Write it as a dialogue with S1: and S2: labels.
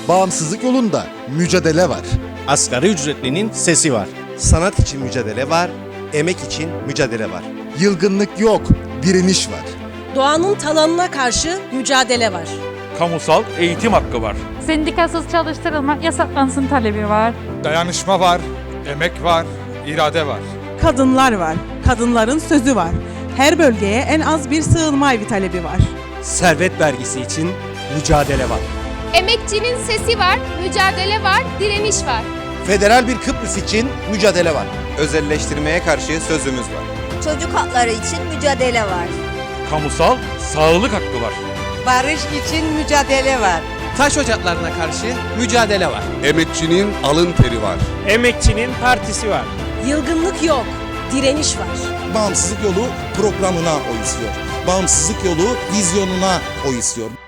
S1: Bağımsızlık yolunda mücadele var.
S2: Asgari ücretlinin sesi var.
S3: Sanat için mücadele var, emek için mücadele var.
S1: Yılgınlık yok, direniş var.
S4: Doğanın talanına karşı mücadele var.
S5: Kamusal eğitim hakkı var.
S6: Sendikasız çalıştırılmak yasaklansın talebi var.
S7: Dayanışma var, emek var, irade var.
S8: Kadınlar var, kadınların sözü var. Her bölgeye en az bir sığınma evi talebi var.
S3: Servet vergisi için mücadele var.
S9: Emekçinin sesi var, mücadele var, direniş var.
S3: Federal bir Kıbrıs için mücadele var. Özelleştirmeye karşı sözümüz var.
S10: Çocuk hakları için mücadele var.
S5: Kamusal sağlık hakkı var.
S8: Barış için mücadele var.
S3: Taş ocaklarına karşı mücadele var.
S7: Emekçinin alın teri var.
S2: Emekçinin partisi var.
S4: Yılgınlık yok, direniş var.
S1: Bağımsızlık yolu programına oy istiyor. Bağımsızlık yolu vizyonuna oy istiyor.